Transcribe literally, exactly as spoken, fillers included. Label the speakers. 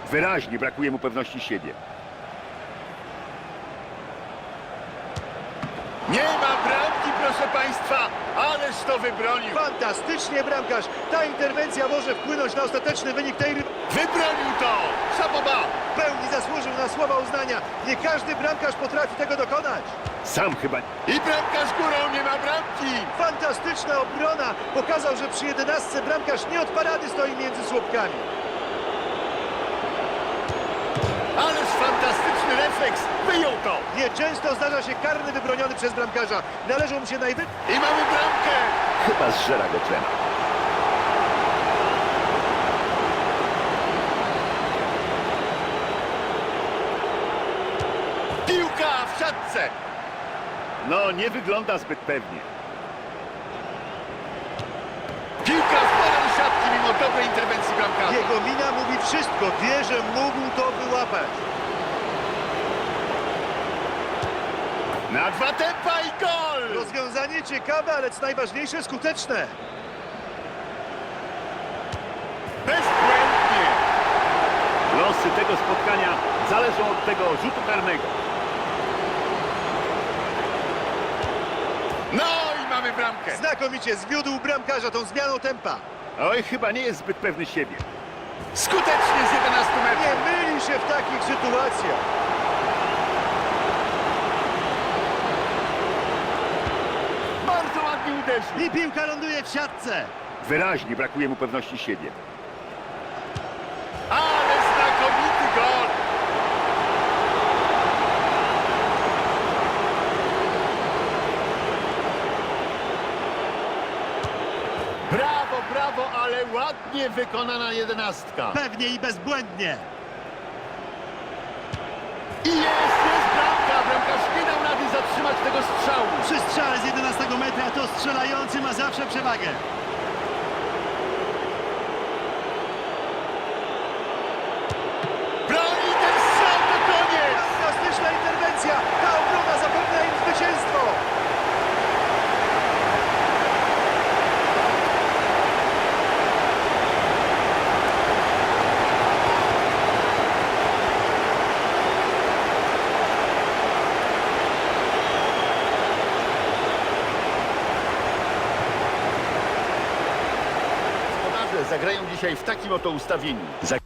Speaker 1: Wyraźnie brakuje mu pewności siebie. Nie ma bramki, proszę państwa, ależ to wybronił.
Speaker 2: Fantastycznie bramkarz. Ta interwencja może wpłynąć na ostateczny wynik tej ry...
Speaker 1: Wybronił to! Szaboba!
Speaker 2: W pełni zasłużył na słowa uznania. Nie każdy bramkarz potrafi tego dokonać.
Speaker 1: Sam chyba... I bramkarz górą, nie ma bramki!
Speaker 2: Fantastyczna obrona. Pokazał, że przy jedenastce bramkarz nie od parady stoi między słupkami.
Speaker 1: Ależ fantastyczny refleks! Wyjął to!
Speaker 2: Nieczęsto zdarza się karny wybroniony przez bramkarza. Należą mu się najwy...
Speaker 1: I mamy bramkę! Chyba zżera go trema. Piłka w siatce! No, nie wygląda zbyt pewnie. Piłka w polę siatki mimo dobrej interwencji bramkarza.
Speaker 2: Jego mina mówi wszystko. Wie, że mógł to wyłapać.
Speaker 1: Na dwa tempa i gol!
Speaker 2: Rozwiązanie ciekawe, ale co najważniejsze skuteczne.
Speaker 1: Bezbłędnie! Losy tego spotkania zależą od tego rzutu karnego. No i mamy bramkę.
Speaker 2: Znakomicie zwiódł bramkarza tą zmianą tempa.
Speaker 1: Oj, chyba nie jest zbyt pewny siebie. Skutecznie z jedenastu
Speaker 2: Nie
Speaker 1: metrów.
Speaker 2: myli się w takich sytuacjach.
Speaker 1: Bardzo ładnie uderzył.
Speaker 2: I piłka ląduje w siatce.
Speaker 1: Wyraźnie brakuje mu pewności siebie. Ale znakomity gol! Brawo, brawo, ale ładnie wykonana jedenastka.
Speaker 2: Pewnie i bezbłędnie.
Speaker 1: I jest, jest bramka! Bramkarz nie dał rady zatrzymać tego strzału.
Speaker 2: Przy strzale z jedenastego metra to strzelający ma zawsze przewagę.
Speaker 1: Broni ten strzał, to koniec!
Speaker 2: Fantastyczna interwencja. Ta obrona zapewnia im zwycięstwo.
Speaker 1: Gospodarze zagrają dzisiaj w takim oto ustawieniu. Za